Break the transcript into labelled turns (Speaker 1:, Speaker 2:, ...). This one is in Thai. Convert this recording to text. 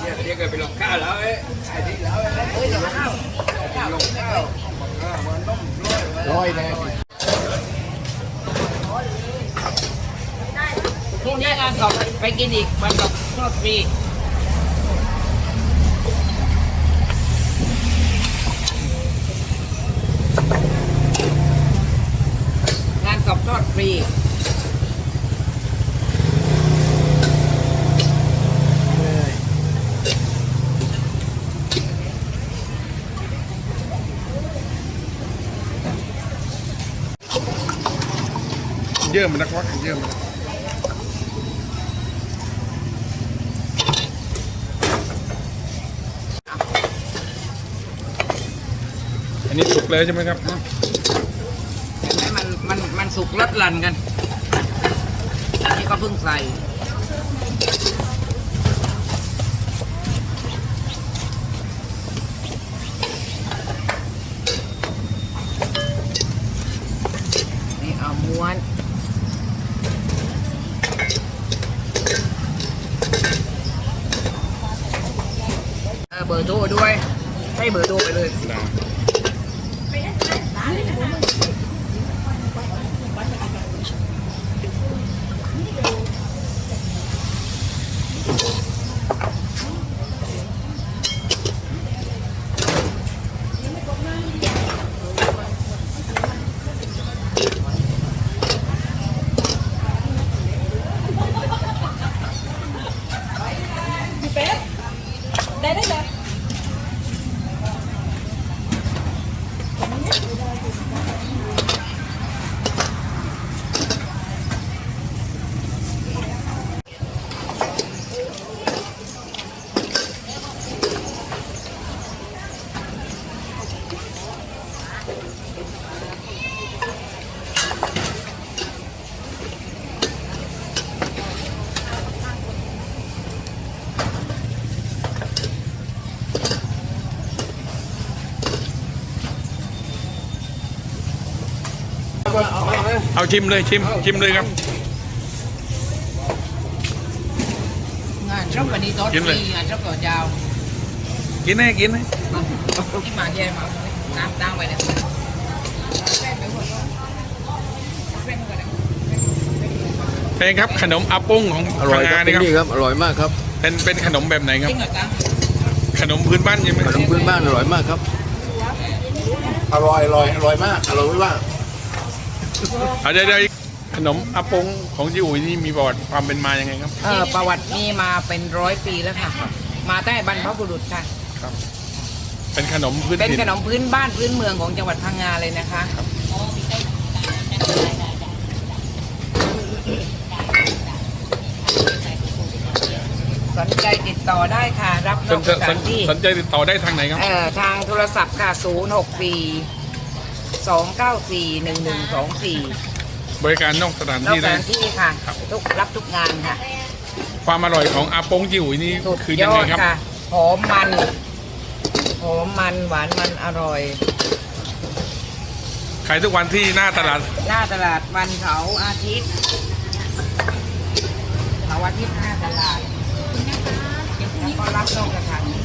Speaker 1: เรียกไปลงข้าวแล้วไอ้ที่แล้วลงข้าวลงข้าวมันต้มร้อยเลย
Speaker 2: ที่นี่งานสอบไปกินอีกวันสอบทอดฟรีงานสอบทอดฟรี
Speaker 3: เยอะมันนักวักเยอะมันอันนี้สุกเลยใช่ไหมครับ
Speaker 2: เห็นไหมมันสุกลดหลั่นกันอันนี้ก็เพิ่งใส่นี่เอาม้วนเบอร์โทรด้วยให้เบอร์โทรไปเลย
Speaker 3: เอาชิมเลยชิมเลยครับ
Speaker 2: งานรับวันนี้ตอนนี้งานรับต่อยาว
Speaker 3: กินให้
Speaker 2: ที่มาเยี่ยมน้ำตั้งไว้เนี่ย
Speaker 3: เป็นครับขนมอาปุ้งของ
Speaker 1: อร่อยครับ
Speaker 3: นี่ครับ
Speaker 1: นี่ครับอร่อยมากครับ
Speaker 3: เป็นขนมแบบไหนครับ
Speaker 2: จริงเหรอจ๊ะ
Speaker 3: ขนมพื้นบ้านใช่ไหม
Speaker 1: ขนมพื้นบ้านอร่อยมากครับอร่อยมากอร่อยไม่ว่า
Speaker 3: เดี๋ยวขนมอาปุ้งของจิ๋วนี่มีประวัติความเป็นมายังไงครับ
Speaker 2: ประวัตินี่มาเป็น100 ปีแล้วค่ะมาตั้งแต่บรรพบุรุษค่ะ
Speaker 3: ครับเป็นขนมพื้น
Speaker 2: เป็นขนมพื้นบ้านพื้นเมืองของจังหวัดพังงาเลยนะคะสนใจติดต่อได้ค่ะรับนอกสถานที่
Speaker 3: สนใจติดต่อได้ทางไหนครับ
Speaker 2: ทางโทรศัพท์ค่ะ064 294 1124
Speaker 3: บริการนอกสถานที่ได้
Speaker 2: ค่ะรับทุกงานค่ะ
Speaker 3: ความอร่อยของอาปงจิ๋วนี่คือยังไงครับ
Speaker 2: หอมมันหวานมันอร่อย
Speaker 3: ขายทุกวันที่หน้าตลาด
Speaker 2: วันเสาร์อาทิตย์หน้าตลาดแล้วก็รับนอกสถานที่